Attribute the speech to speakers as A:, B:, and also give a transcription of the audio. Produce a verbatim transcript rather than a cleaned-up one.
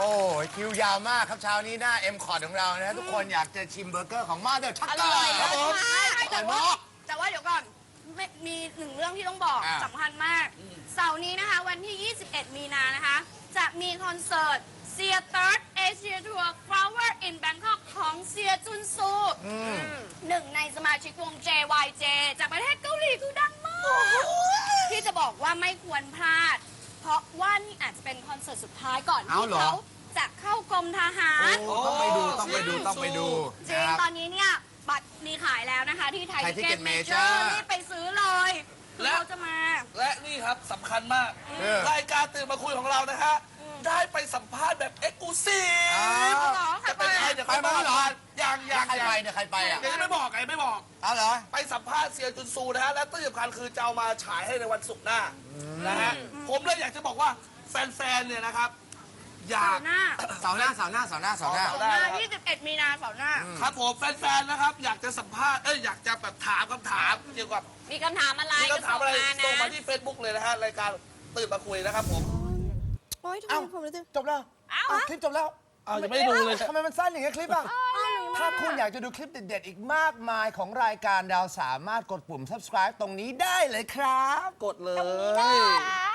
A: อ้ยคิวยาวมากครับเช้านี้หน้า เอ็ม คอร์ด ของเรานะทุกคนอยากจะชิมเบอร์เกอร์ของมาเดอร์ชัก
B: อ
A: เกอ
B: ร่อย
A: ร์ครับผม
B: แต่ว่าแต่ว่าเดี๋ยวก่อนไม่มีหนึ่งเรื่องที่ต้องบอก
A: อ่า
B: สำคัญมาก เสาร์นี้นะคะ วันที่ ยี่สิบเอ็ด มีนานะคะ จะมีคอนเสิร์ตเซีย Third Asia Tour Flower in Bangkok ของเซียจุนซูหนึ่งในสมาชิกวง เจ วาย เจ จากประเทศเกาหลีคือดังมาก ที่จะบอกว่าไม่ควรพลาด เพราะว่านี่อาจจะเป็นคอนเสิร์ตสุดท้ายก่อนที่เขาจะเข้ากรมทหาร
A: โอ้ต้องไปดูต้องไปดูต้องไปดู
B: จริง
A: นะครับ
B: ตอนนี้เนี่ยบัตรมีขายแล้วนะคะ ที่ไทย
A: ไทย
B: ทิ
A: Ticket
B: เก็ตเมเจอ
A: Major
B: ร์รีบไปซื้อเลยคือ
C: และ
B: เขาจะมา
C: และนี่ครับสำคัญมาก
A: เออ
C: รายการตื่นมาคุยของเรานะฮะ ได้ไปสัมภาษณ์แบบเอ็กซ์คลูซีฟ
A: อ้าว
B: เหรอ
C: จะเป็นใครเดี๋ยว
A: ไปมาแล้วเหรอ
C: ยังยัง
A: ใคร
C: ยัง
A: ไปเนี่ยใครไปอ่ะ
C: เดี๋ยวจะไม่บอกไงไม่บอก
A: เอาเหรอ
C: ไปสัมภาษณ์เซียจุนซูนะฮะ และที่สำคัญคือจะเอามาฉายให้ในวันศุกร์หน้านะฮะ ผมเลยอยากจะบอกว่าแฟนๆ เนี่ยนะครับ อยา
B: เสาก ร์หน้า
A: เสาร์หน้าเสาร์หน้าเสาร์หน้าเสาร์หน้า
C: เสาร์หน้า
B: เสาร์หน้ายี่สิบเอ็ดมีนาเสาร์หน้า
C: ครับผมแฟนๆ นะครับ อยากจะสัมภาษณ์ เอ้ยอยากจะแบบถามคำถามเกี่ยวกับ
B: มีคำถามอะไร
C: มีคำถามอะไร
B: ก็
C: ส่ง
B: ง
C: มาที่ Facebook เลยนะฮะ รายการตื่นมาคุยนะครับผม
D: โอ๊ยทำไม
A: เอ้า
D: ผมรู้สึก
A: จบแล้ว
B: เอ้า
A: อ้าวคลิปจบแล้ว
C: อ้าวยังไม่ได้ดูเลย
A: ทำไมมันสั้นอย่างเงี้ยคลิปอ่ะ ถ้าคุณอยากจะดูคลิปเด็ดๆ อีกมากมายของรายการเราสามารถกดปุ่ม subscribe ตรงนี้ได้เลยครับ
C: กดเล
B: ตรงนี้ได้
C: ย